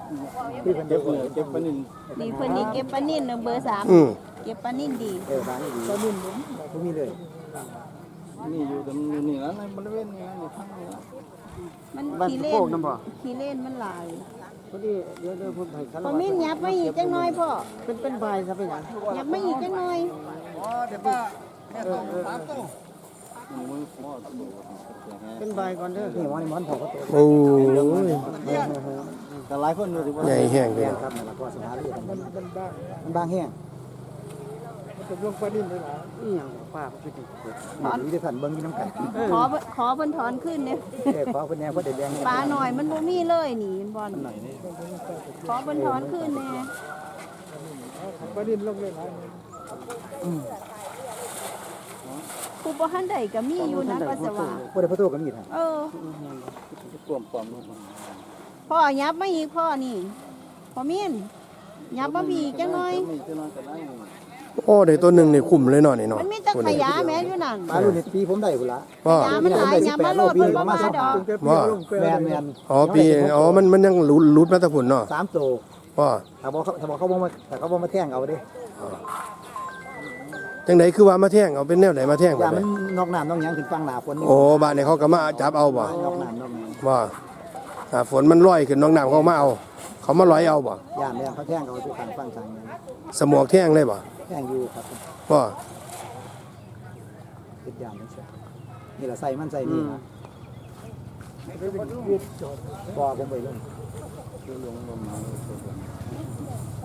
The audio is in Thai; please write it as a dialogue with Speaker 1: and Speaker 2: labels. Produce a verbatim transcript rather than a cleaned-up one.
Speaker 1: ที่เพิ่นเก็บเก็บปลานิ่น
Speaker 2: นี่เพิ่นนี่เก็บปลานิ่นเบอร์สาม
Speaker 3: อืม
Speaker 2: เก็บปลานิ่นดี
Speaker 1: เออร้านนี้ดีปลานิ่นผมผมมีเลยนี่อยู่ตรงนี้แล้วในบริเวณนี้นี่ข้างนี้
Speaker 2: มันขี้เล่นขี้เล่นมันหลาย
Speaker 1: พอดีเดี๋ยวเดี๋ยวผมให้คัน
Speaker 2: พอมิ้นยับไม่อีกจังน้อยพ่อ
Speaker 1: เป็นเป็นใบซะเป็นหยัง
Speaker 2: ยับไม่อีกจังน้อย
Speaker 1: อ๋อเดี๋ยวป้าแค่ต้องสามตัวเป็นใบก่อนเด้อนี่มันมันพอก็ตัว
Speaker 3: โอ้ย
Speaker 1: แต่หลายคนอยู่ที่ว่า
Speaker 3: ใหญ่แห้งเลย
Speaker 1: ครับนั่นแหละก็สถานที่มันมันบางมันบางแห้งมันจะลงปลาดิ้นเลยล่ะอีหยังป้าพี่ดินี่ที่ขันเบิ่งอยู่น้ำกัน
Speaker 2: ขอขอเพิ่นถอนขึ้นเนี่ย
Speaker 1: เออขอเพิ่นแน่เพิ่นได้แดง
Speaker 2: ปลาหน่อยมันบ่มีเลยนี่บอลขอเพิ่นถอนขึ้นแน่
Speaker 1: ปลาดิ้นลงเลยหลายอืม
Speaker 2: ผู้บ่ทันใดก็มีอยู่นะปัสสาวะ
Speaker 1: บ่ได้พระโตก็มีท่าน
Speaker 2: เออ
Speaker 1: ปลอมปลอมลง
Speaker 2: พ่อยับไม่อีกพ่อนี่พ่อมิ้นยับมาอีกจังน้อย
Speaker 1: มีจังน้อยก็ได้
Speaker 3: โอ้ได้ตัวหนึ่งนี่คุ้มเลยเนาะนี่เนาะ
Speaker 2: มันมีแตะขยะแม่อยู่นั่น
Speaker 1: ปลารุ่นนี้ปีผมได้พุ่นละ
Speaker 3: ว่า
Speaker 2: ขยะมันหลายยับมาโลดมันบ่มาดอก
Speaker 3: ว่า
Speaker 1: แม่นแม่น
Speaker 3: อ๋อปีอ๋อมันมันยังหลุดหลุดมาแตะพุ่นเนาะ
Speaker 1: สามโต
Speaker 3: ว่า
Speaker 1: ถ้าบ่เขาถ้าบ่เขาบ่มาถ้าเขาบ่มาแท่งเอาเด้
Speaker 3: จังไดคือว่ามาแท่งเอาเป็นแนวไหนมาแท่ง
Speaker 1: อย่า
Speaker 3: บ่
Speaker 1: มัน
Speaker 3: ได้
Speaker 1: นอกน้ำนอกหยังขึ้นฟังหน้าฝนนี่
Speaker 3: โอ้บ้านนี้เขาก็มาจับเอาบ่
Speaker 1: นอกน้ำนอกหยัง
Speaker 3: ว่าถ้าฝนมันลอยขึ้นน้องน้ำเขามาเอา เขามาลอยเอาบ่
Speaker 1: ย่านแม่นเขาแท่งเอาทุกทางฟังทางนั้น
Speaker 3: สมอกแท่งเลยบ่
Speaker 1: แท่งอยู่ครับ
Speaker 3: ว่า
Speaker 1: ติดย่านนี่สินี่ล่ะใส่มันใส่นี่นะบ่ผมไปลงลงลงมา